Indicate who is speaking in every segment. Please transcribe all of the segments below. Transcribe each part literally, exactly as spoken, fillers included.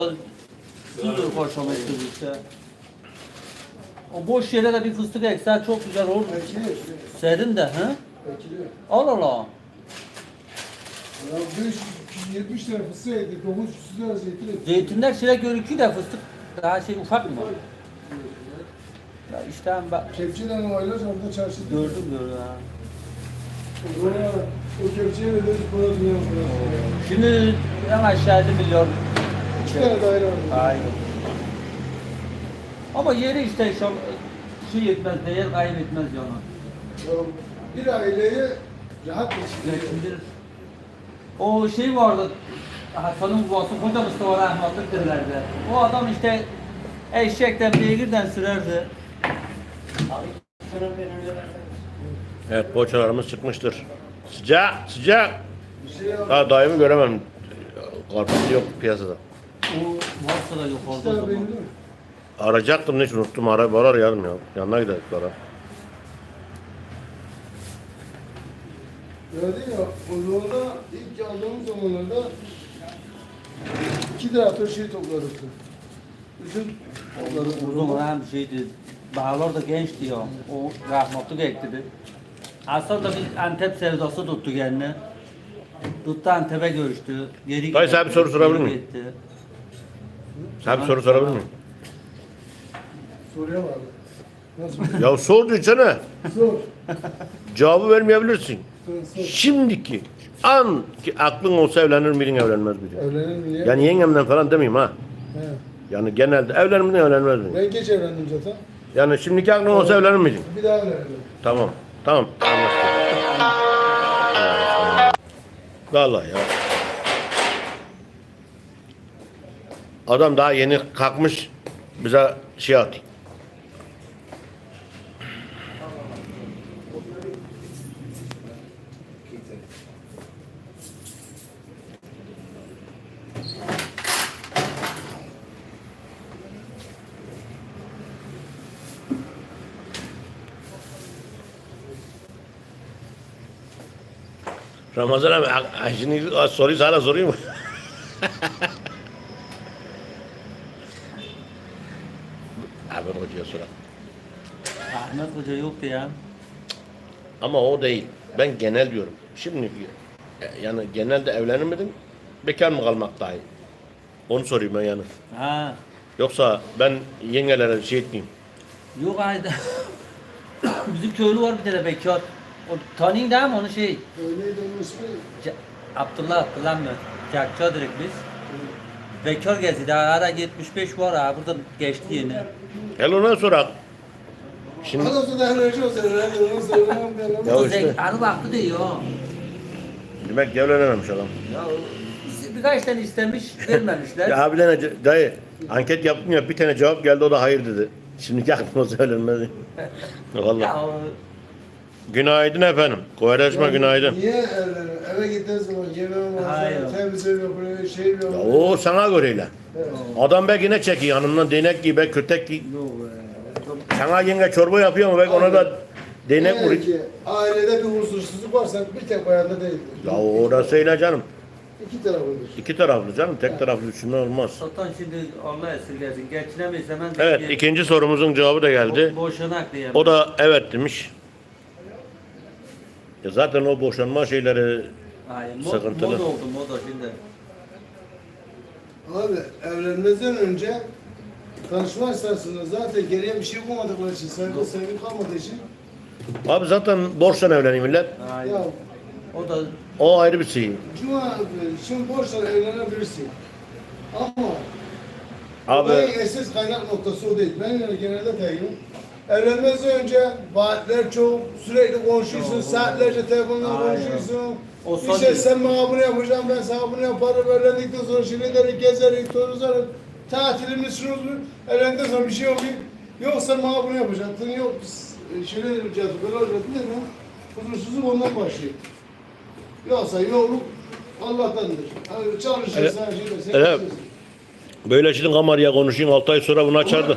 Speaker 1: Süzdür koşamak işte. O boş yere de bir fıstık eksen çok güzel olur.
Speaker 2: Ekiliyor.
Speaker 1: Serin de he?
Speaker 2: Ekiliyor.
Speaker 1: Al al.
Speaker 2: Ya beş yüz yetmiş lira fıstığı yedik. dokuz yüz lira zeytin yedik.
Speaker 1: Zeytinler şöyle görüküyor da fıstık daha şey ufak mı? Ya işte ben
Speaker 2: Kepçeden aylarca orada çarşıda.
Speaker 1: gördüm gördüm ha.
Speaker 2: Oraya o kepçeye veririz para dünya parası.
Speaker 1: Şimdi en aşağıda milyon.
Speaker 2: İki tane daire var.
Speaker 1: Aynen. Ama yeri işte şu şey yetmez, değer kaybetmez yani.
Speaker 2: Ya bir aileye rahat geçiriyor.
Speaker 1: Geçindirir. O şey vardı, Hasan'ın babası Hoca Mustafa rahmetlik derlerdi. O adam işte eşekten beygirden sürerdi.
Speaker 3: Evet, poğaçalarımız çıkmıştır. Sıcak, sıcak.
Speaker 2: Bir şey yap.
Speaker 3: Daha daimi göremem. Karpuz yok piyasada.
Speaker 1: O varsa da yok
Speaker 2: İki
Speaker 1: orada o
Speaker 2: tane
Speaker 1: zaman.
Speaker 2: benim değil mi?
Speaker 3: Arayacaktım hiç unuttum. Ara, var arayalım ya. Yanına gidelim ara.
Speaker 2: Gördün ya, o yolda ilk aldığımız zamanlarda iki traktör şey topladık. Üzüm topladık.
Speaker 1: Uzun hem şeydi, bağlar da gençti ya. O rahmetlik ekledi. Aslında biz Antep sevdası tuttu kendine. Tuttu Antep'e görüştü. Geri
Speaker 3: Dayı, sana bir soru sorabilir
Speaker 1: geri
Speaker 3: miyim?
Speaker 1: gitti.
Speaker 3: Sen bir soru sorabilir miyim?
Speaker 2: Soruya vardı. Nasıl?
Speaker 3: Ya sor desene.
Speaker 2: Sor.
Speaker 3: Cevabı vermeyebilirsin.
Speaker 2: Sor, sor.
Speaker 3: Şimdiki an ki aklın olsa evlenir miydin evlenmez miydin?
Speaker 2: Evlenir mi niye?
Speaker 3: Yani yengemden falan demeyeyim ha.
Speaker 2: He.
Speaker 3: Yani genelde evlenir miydin evlenmez miydin?
Speaker 2: Ben geç evlendim zaten.
Speaker 3: Yani şimdiki aklın olsa evlenir miydin?
Speaker 2: Bir daha evlendim.
Speaker 3: Tamam. Tamam. Anlaştık. Vallahi ya. Adam daha yeni kalkmış bize şey atıyor. Ramazan abi, a- a- şimdi a- soruyu sana sorayım mı? Abi hocaya soralım.
Speaker 1: Ahmet Hoca yoktu ya.
Speaker 3: Ama o değil. Ben genel diyorum. Şimdi e, yani genelde evlenir miydin? Bekar mı kalmak daha iyi? Onu sorayım ben yani.
Speaker 1: Ha.
Speaker 3: Yoksa ben yengelere şey etmeyeyim.
Speaker 1: Yok ayda. Bizim köylü var bir tane bekar. O tanıyın değil mi onu şey?
Speaker 2: Öyleydi onun ismi.
Speaker 1: Ca- Abdullah Abdullah mı? Cakça direkt biz. Bekar gezdi. Daha ara yetmiş beş var ha. Burada geçti yeni.
Speaker 3: Gel ona sorak. Şimdi
Speaker 2: Anası da enerji olsa evlendim. Onu söylemem ben.
Speaker 3: Ya
Speaker 1: O
Speaker 3: işte.
Speaker 1: zek- Anı baktı diyor.
Speaker 3: demek ki evlenememiş adam.
Speaker 1: Ya o- birkaç tane istemiş, vermemişler.
Speaker 3: Ya abi tane ce- dayı anket yaptım ya bir tane cevap geldi o da hayır dedi. Şimdi aklıma söylenmedi. Vallahi.
Speaker 1: Ya o-
Speaker 3: Günaydın efendim. Kovareşme günaydın.
Speaker 2: Niye evlenir? Eve gittiğin zaman yemeğim
Speaker 1: Hayır.
Speaker 2: var. Temizliğim yapıyor, şey
Speaker 3: Ya
Speaker 2: yapıyor.
Speaker 3: o sana göreyle.
Speaker 2: Evet.
Speaker 3: Adam belki ne çekiyor yanından değnek gibi belki kötek gibi.
Speaker 2: Yok be.
Speaker 3: Sana yenge çorba yapıyor mu belki ona da değnek
Speaker 2: Eğer
Speaker 3: vuruyor.
Speaker 2: ki ailede bir huzursuzluk varsa bir tek bayanda değildir.
Speaker 3: Ya orası öyle canım.
Speaker 2: İki tarafındır.
Speaker 3: İki taraflı canım tek taraflı düşünme olmaz.
Speaker 1: Satan şimdi Allah esirgesin. Geçinemeyiz hemen.
Speaker 3: Evet ikinci sorumuzun cevabı da geldi.
Speaker 1: Bo boşanak diye.
Speaker 3: O da evet demiş. Ya zaten o boşanma şeyleri
Speaker 1: Hayır, mod,
Speaker 3: sıkıntılı.
Speaker 1: mod oldu moda şimdi.
Speaker 2: Abi evlenmeden önce tanışma esnasında zaten geriye bir şey bulmadıkları için, saygı sevgi kalmadığı için
Speaker 3: Abi zaten borçla evleniyor millet.
Speaker 1: Hayır.
Speaker 2: ya
Speaker 1: O da
Speaker 3: O ayrı bir şey.
Speaker 2: cuma şimdi borçla evlenebilirsin. Ama
Speaker 3: Abi
Speaker 2: olayın esas kaynak noktası o değil. Ben yani genelde teyinim. Evlenmezden önce vaatler çok, sürekli konuşuyorsun, saatlerce telefonla
Speaker 1: Aynen.
Speaker 2: konuşuyorsun.
Speaker 1: O son
Speaker 2: İşte
Speaker 1: değil.
Speaker 2: sen bana bunu yapacaksın, ben sana bunu yaparım. Evlendikten sonra şirinleri gezerik, tozarız. Tatilimiz şunu evlendikten sonra bir şey oluyor. Yok sen bana bunu yapacaksın, yok şöyle yapacağız, böyle olacaksın değil mi? Huzursuzluk ondan başlıyor. Yoksa yolluk Allah'tandır. Yani çalışırsan, şey dersen,
Speaker 3: Evet.
Speaker 2: çalışırsın.
Speaker 3: böyle şimdi kamarya konuşayım altı ay sonra bunu açardı.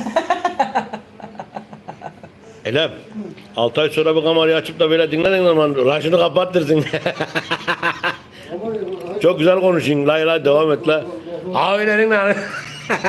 Speaker 3: Elem. altı ay sonra bu kamerayı açıp da böyle dinlediğin zaman raşını kapattırırsın.
Speaker 2: Ama-
Speaker 3: Çok güzel konuşayım. Lay lay devam et la. Abilerin lan.
Speaker 2: Ben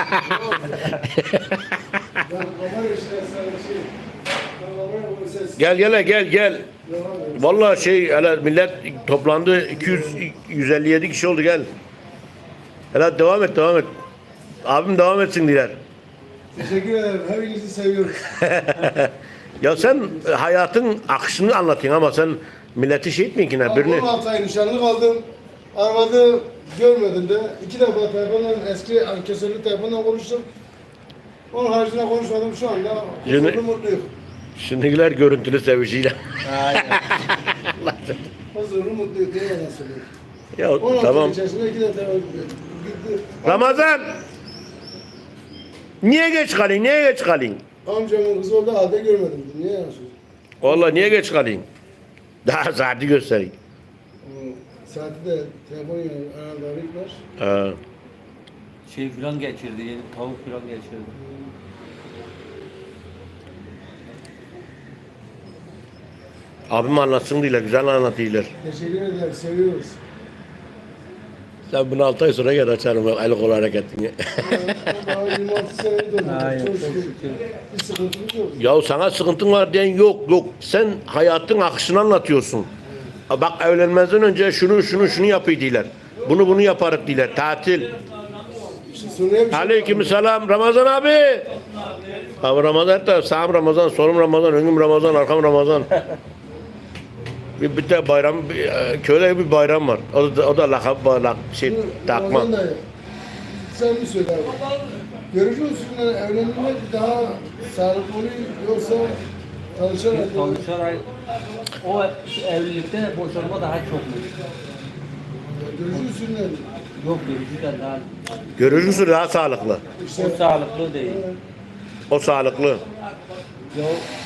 Speaker 2: kamera işte sen şey. Ben kamera bu ses.
Speaker 3: Gel gel gel gel. Vallahi şey hele millet toplandı iki yüz yüz elli yedi kişi oldu gel. Hele devam et devam et. Abim devam etsin diler.
Speaker 2: Teşekkür ederim. Hepinizi seviyoruz.
Speaker 3: Ya sen hayatın akışını anlatıyorsun ama sen milleti şey etmiyorsun ki ne birini.
Speaker 2: on altı ay nişanlı kaldım. Arvadı görmedim de. İki defa telefonla eski ankesörlü telefonla konuştum. Onun haricinde konuşmadım şu anda.
Speaker 3: Yine-
Speaker 2: Huzurlu mutluyum.
Speaker 3: Şimdikiler görüntülü sevişiyle.
Speaker 1: Aynen.
Speaker 2: Huzurlu mutluyum diye yalan söylüyorum.
Speaker 3: Ya
Speaker 2: on altı
Speaker 3: tamam.
Speaker 2: ay içerisinde iki defa gitti.
Speaker 3: Ramazan! Niye geç kalın? Niye geç kalın?
Speaker 2: Amcamın kızı orada halde görmedim. Niye yalan söylüyorsun?
Speaker 3: Vallahi niye geç kalın? Daha saati göstereyim.
Speaker 2: O saati de telefon yanında arayıp var.
Speaker 3: Ha.
Speaker 1: Şey filan geçirdi, yeni tavuk filan geçirdi.
Speaker 3: Abim anlatsın diyorlar, güzel anlatıyorlar.
Speaker 2: Teşekkür ederim. Seviyoruz.
Speaker 3: Sen bunu altı ay sonra gel açarım bak el kol hareketini.
Speaker 2: Daha yirmi altı senedir oldu.
Speaker 1: Aynen,
Speaker 2: Çok
Speaker 1: çok
Speaker 2: şükür.
Speaker 1: şükür.
Speaker 2: Bir sıkıntımız yok.
Speaker 3: Ya sana sıkıntın var diyen yok yok. Sen hayatın akışını anlatıyorsun. Ha bak evlenmezden önce şunu şunu şunu yapıyor diyorlar. Bunu bunu yaparız diyorlar. Tatil.
Speaker 2: İşte soruya bir şey
Speaker 3: Aleyküm selam Ramazan abi. Abi Ramazan da sağım Ramazan, solum Ramazan, önüm Ramazan, arkam Ramazan. bir, bir de bayram, bir, e, köyde bir bayram var. O da, o da lakap, lak, şey takma.
Speaker 2: Ramazan dayı, sen mi söyle abi? Görücü usulüyle evlenmek daha sağlıklı oluyor yoksa tanışarak mı?
Speaker 1: Tanışarak o evlilikte boşanma daha çok mu?
Speaker 2: Görücü usulüyle mi?
Speaker 1: Yok görücüden daha
Speaker 3: Görücüsü daha sağlıklı.
Speaker 2: İşte
Speaker 1: o sağlıklı değil.
Speaker 3: O sağlıklı.
Speaker 1: Ya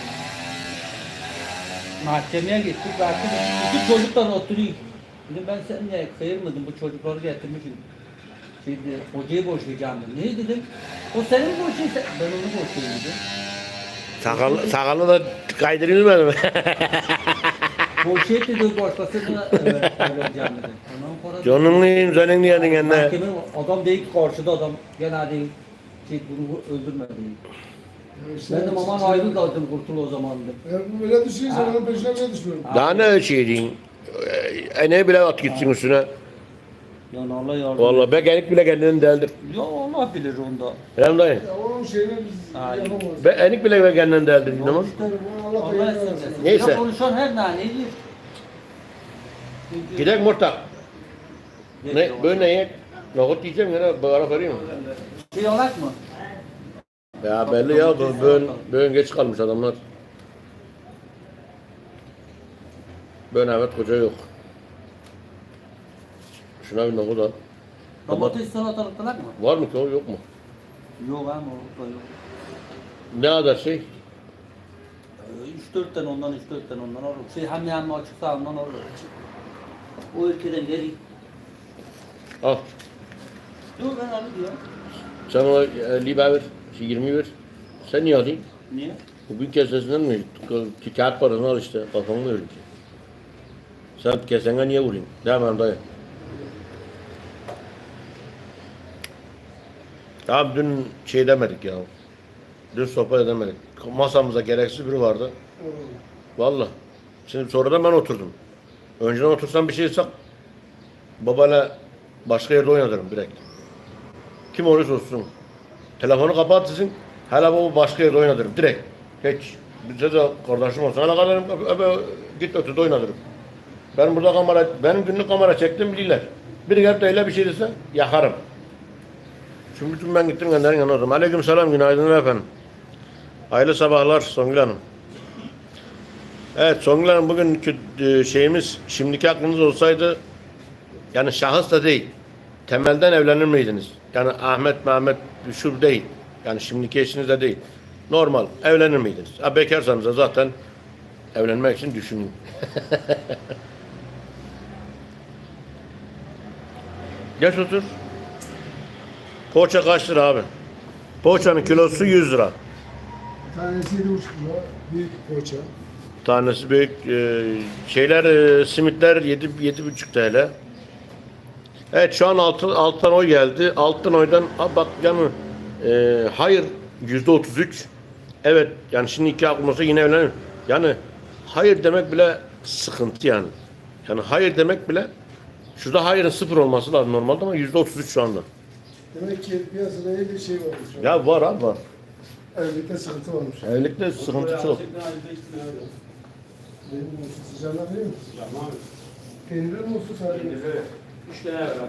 Speaker 1: mahkemeye gittik baktık iki çocuklar oturuyor. Dedim ben sen niye kıyırmadın bu çocukları getirmişsin. Şimdi hocayı boşayacağım dedim. Ne dedim? O senin boşayın sen. Ben onu boşayayım dedim.
Speaker 3: Sakallı, sakallı da kaydırılmadı mı?
Speaker 1: Boşayıp dedi başkasına evet, evleneceğim dedim. Ondan sonra
Speaker 3: Canınlıyım senin diyedin kendine.
Speaker 1: mahkeme adam değil ki karşıda adam. Gene değil. Şey, bunu öldürme değil.
Speaker 2: işte-
Speaker 1: Ben de aman ayrıl da dedim kurtul o zaman dedim.
Speaker 2: Ya bu böyle düşünürse onun peşine bile düşmüyorum.
Speaker 3: Daha ne şey diyeyim. Ene bile at gitsin üstüne.
Speaker 1: Ya Allah yardım.
Speaker 3: Vallahi begenik bile kendini deldir.
Speaker 1: Ya Allah bilir onda.
Speaker 3: Hem dayı.
Speaker 2: Ya onun şeyini biz
Speaker 1: Aynen.
Speaker 2: yapamayız.
Speaker 3: Be enik bile kendini deldir. İnanın.
Speaker 2: İşte bunu Allah
Speaker 1: Allah
Speaker 2: belanı
Speaker 1: esirgesin.
Speaker 2: versin.
Speaker 3: Neyse.
Speaker 1: Ya konuşan her naneyi.
Speaker 3: Gidek Murtak. Ne, böyle ne yiyek? Nohut yiyeceğim yine bağıra vereyim mi?
Speaker 1: Şey olak mı?
Speaker 3: Ya belli ya bu böğün, böğün geç kalmış adamlar. Böğün evet koca yok. Şuna bir nohut al.
Speaker 1: Domates salatalık olak mı?
Speaker 3: Var mı ki o yok mu?
Speaker 1: Yok ama o da yok.
Speaker 3: Ne kadar şey?
Speaker 1: üç dört tane ondan üç dört tane ondan olur. Şey hem hem açıksa ondan olur. O ülkeden geri.
Speaker 3: Al.
Speaker 1: Yok ben abi diyor.
Speaker 3: Sen ona e, libe ver. Şey yirmi ver. Sen niye alayım?
Speaker 1: Niye?
Speaker 3: Bugün kesesinden mi? Ki kağıt parasını al işte. Kafamı verin ki. Sen kesene niye vurayım? Devam dayı. Tamam dün şey demedik ya. Dün sohbet edemedik. Masamıza gereksiz biri vardı. Vallahi. Şimdi sonradan ben oturdum. Önceden otursam bir şey sak babayla başka yerde oynatırım direkt. Kim olursa olsun. Telefonu kapatırsın. Hele baba başka yerde oynatırım direkt. Hiç. Bize de kardeşim olsun. Hele kadarım öbe git ötede oynatırım. Ben burada kamera, benim günlük kamera çektim bilirler. Biri gelip de öyle bir şey dese yakarım. Şimdi bütün ben gittim gönderin yanına oturdum. Aleyküm selam, günaydın efendim. Hayırlı sabahlar Songül Hanım. Evet Songül Hanım bugünkü e, şeyimiz, şimdiki aklınız olsaydı yani şahıs da değil. Temelden evlenir miydiniz? Yani Ahmet, Mehmet şu değil. Yani şimdiki eşiniz de değil. Normal evlenir miydiniz? Ha, bekarsanız da zaten evlenmek için düşünün. Geç otur. Poğaça kaç lira abi? Poğaçanın kilosu yüz lira.
Speaker 2: Tanesi yedi buçuk lira. Büyük poğaça.
Speaker 3: Tanesi büyük. E, şeyler, e, simitler yedi, yedi buçuk T L. Evet şu an altı, alttan oy geldi. Alttan oydan ha bak yani e, hayır yüzde otuz üç. Evet yani şimdi iki aklım olsa yine evlenirim. Yani hayır demek bile sıkıntı yani. Yani hayır demek bile şurada hayırın sıfır olması lazım normalde ama yüzde otuz üç şu anda.
Speaker 2: Demek ki piyasada iyi bir şey varmış.
Speaker 3: Ya var abi var.
Speaker 2: Evlilikte sıkıntı varmış.
Speaker 3: Evlilikte sıkıntı çok.
Speaker 2: Benim olsun sıcağına değil mi?
Speaker 4: Tamam.
Speaker 2: Peynirli mi olsun sadece?
Speaker 4: Üç tane ver.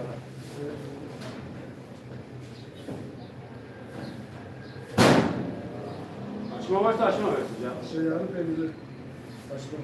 Speaker 4: Açma varsa açma versin ya.
Speaker 2: Şey yani peynirli. Açma.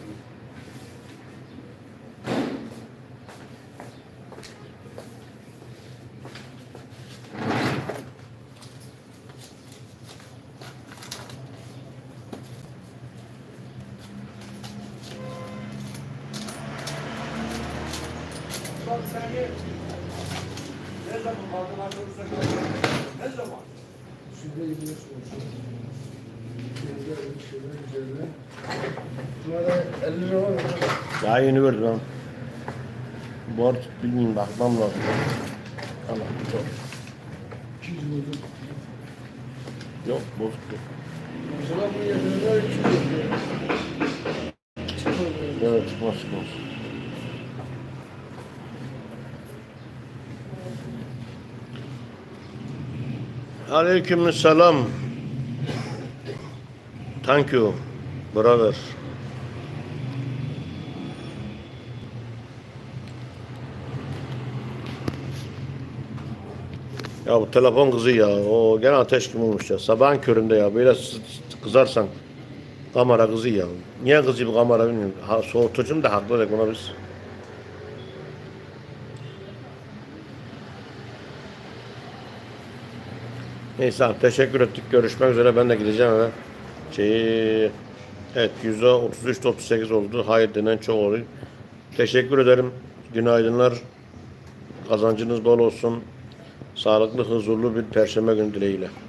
Speaker 4: Bak sen ye. Ne zaman bardın arkadaşlar? Ne zaman?
Speaker 2: Şurada yirmi beş olmuş. Peynirli bir şeyler üzerine. Bunlara elli lira var mı?
Speaker 3: Daha yeni verdim ben. Bu arada bilmiyorum bakmam lazım. Allah çok.
Speaker 2: iki yüz oldu.
Speaker 3: Yok bozuk yok.
Speaker 2: Mesela bu yerine iki yüz oldu.
Speaker 3: Evet çıkmaz çıkmaz. Aleyküm selam. Thank you, brother. Ya bu telefon kızı ya. O gene ateş gibi olmuş ya. Sabahın köründe ya. Böyle s- kızarsan kamera kızı ya. Niye kızı bu kamera bilmiyorum. Ha, soğutucum da haklı olarak buna biz. Neyse abi, teşekkür ettik. Görüşmek üzere. Ben de gideceğim eve. Şeyi, evet yüzde otuz üç otuz sekiz oldu. Hayır denen çok oluyor. Teşekkür ederim. Günaydınlar. Kazancınız bol olsun. Sağlıklı, huzurlu bir perşembe günü dileğiyle.